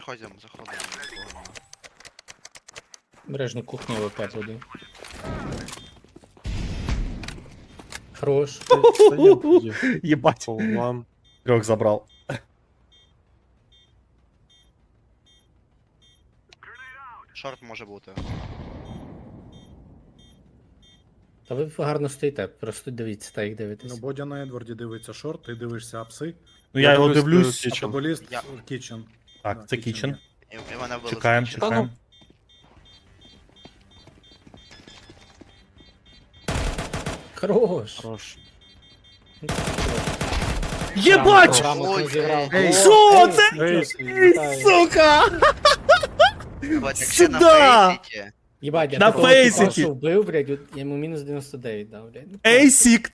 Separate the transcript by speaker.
Speaker 1: заходимо.
Speaker 2: Бережно кухню ВП буде. Хорош.
Speaker 3: Єбать.
Speaker 4: Вам.
Speaker 3: Трьох забрав.
Speaker 1: Шорт може бути.
Speaker 2: Та ви гарно стоїте, просто дивіться, та як
Speaker 5: Ну,
Speaker 2: дивитесь.
Speaker 5: Бодя на Едварді дивиться шорт, ти дивишся апси,
Speaker 3: Ну я його
Speaker 4: дивлюсь,
Speaker 3: дивлюсь.
Speaker 4: Kitchen.
Speaker 5: а футболіст
Speaker 1: Я-
Speaker 5: Kitchen.
Speaker 3: Так, це Kitchen.
Speaker 1: І мене вбили.
Speaker 3: Чекаємо,
Speaker 1: з Kitchen.
Speaker 3: чекаємо.
Speaker 2: Хорош.
Speaker 4: Хорош.
Speaker 3: Єбать!
Speaker 2: Грамотно зіграв.
Speaker 5: Ей,
Speaker 3: Що це?
Speaker 2: Вітаю.
Speaker 3: Сука!
Speaker 1: Ебать, якщо на
Speaker 3: Сюда!
Speaker 1: фейсіті.
Speaker 2: Єбать, я
Speaker 3: На
Speaker 2: такого типа,
Speaker 3: фейситі.
Speaker 2: що вбив, блядь, я йому мінус 99 дав, блядь.
Speaker 3: Ейсік